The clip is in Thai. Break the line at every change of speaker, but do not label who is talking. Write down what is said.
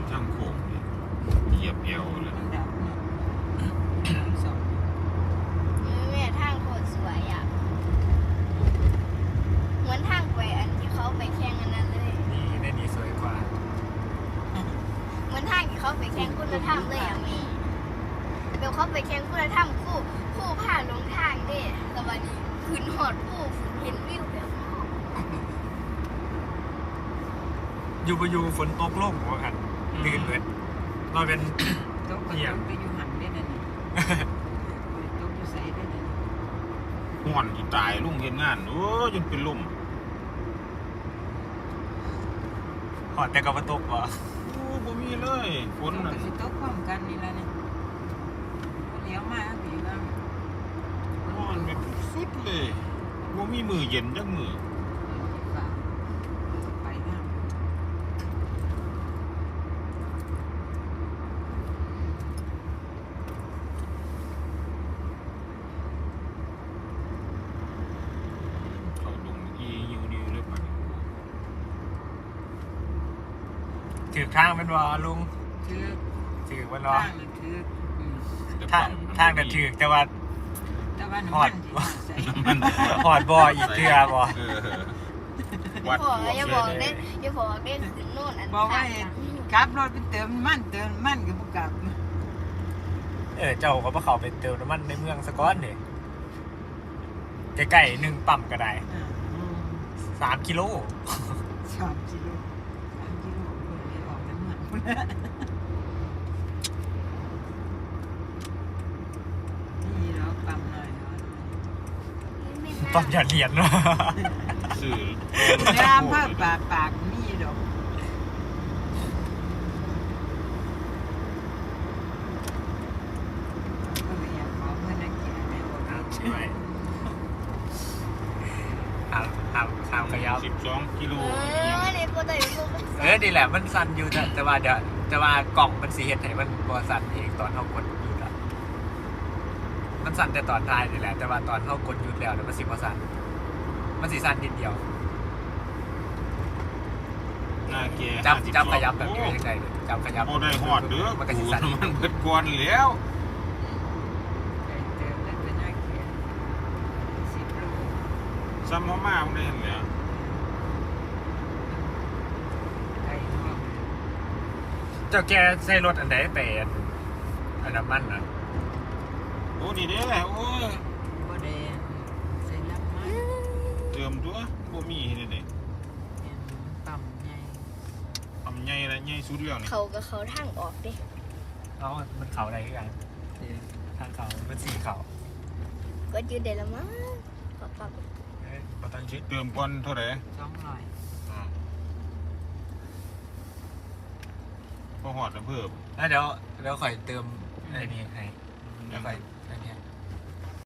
ทางโค้งเหยียบเอวเลย
แม่ทางโคตรสวยอ่ะเหมือนทางไปอันที่เขาไปแข่งอันนั้นเลย
นี่ได้นี่สวยกว่า
เหมือนทางที่เขาไปแข่งคุณธรรมเลยอ่ะแม่เดี๋ยวเขาไปแข่งคุณธรรมคู่ผ่านลงทางเด้แล้ววันนี้ขึ้นหอดผู้เห็นวิวแบบนอก
อยู่ฝนตกลงว่ากันลื่นเลยเราเป็น
ตกไปอยู่หันได้นั่นนี่ตกอยู่ใส่ได้นั่น
ห่อนที่ตายลุงเห็นงานโอ้จนเป็นลม
หอดแต่กับตกวะ
โอ้บ่มีเลยฝน
ตก
นั่
ก็
น
สิตกพร้อมกันนี่ละเนี่ยเลี้ยวมาผีว่า
ห่อนแบบสุดเลยบ่มีมือเย็นจักมือ
ไปนะ
เขาดงอียิวดิวเลยป่ะ
ถือข้างเป็นวะลุง
ถือ
ถือมัน
ทาว
ะ
งน่ะถือ
ทางน่ะถือแต่ว่า
แต่ว่าน้ำมันที่ใส่
มัน
หอดบ่ออีกเทือบ่
วัด
อย่าบอกได้อย่าบอกได้ขึ้นโน่นอัน
บอกว่า
ทาง
กลับรถไปเติมมันก็บ่กลับ
เจ้าก็มาเขาไปเติมน้ำมันในเมืองสกอนนี่ใกล้ๆ1ปั๊มก็ได้3 กิโล
3 กิโล3 กิโลเพิ่นได้ออกน้ำมันพุ่นน่ะนี่เราปั๊มหน่อยเนาะ
ปั๊มหยอดเหรียญเนาะ
สื่อ
น้ำเพิ่มปากมีดอกก็เลยอยากขอเพื่อนนักเกียรติได้บอก
ใช่ไหมทำขยับ
12 กิโล
ในโปรตีนพวก
นี่แหละมันสั่นอยู่แต่ว่ากล่องมันสีเห็ดให้มันบอสั่นเองตอนเขากดหยุดอะมันสั่นแต่ตอนท้ายนี่แหละแต่ว่าตอนเขากดหยุดแล้วเนี่ยมันสีบอสั่นมันสีสั่นนิดเดียว
หน้าแก
จำขยับแบบนี้ไว้ยังไงเลยจำขยับ
บ่ได้ฮอดเด้อ
มันก็
กู
สีสั่น
มันเบิดก่อนแล้ว
เติมได้เป็นนักเกียรติ10 โล
ซ้ำมามันได้เห็นแล้ว
ไก่ทอด
เจ้าแกใส่รถอันไหนไปอันน้ำมันอ่ะ
โอ้นี่เด้โอ้ย
บ่แดงใส่น้ำมัน
เติมตัวบ่มีนี่เด้
ปั๊มใหญ่
ทำใหญ่ละใหญ่สุดแล้วนี่
เขากับเขาทางออกดิ
เอามันเขาอะไรกันทางเขามันสีเขา
ก็ยืดได้ละมั้งปรับ
เราต้องชิด
เติมก่อนเท่าไหร่
200
พอฮอดแล้วเพิ่ม
แล้วเดี๋ยวข่อยเติมไอ้นี่ให้เดี๋ยวข่อย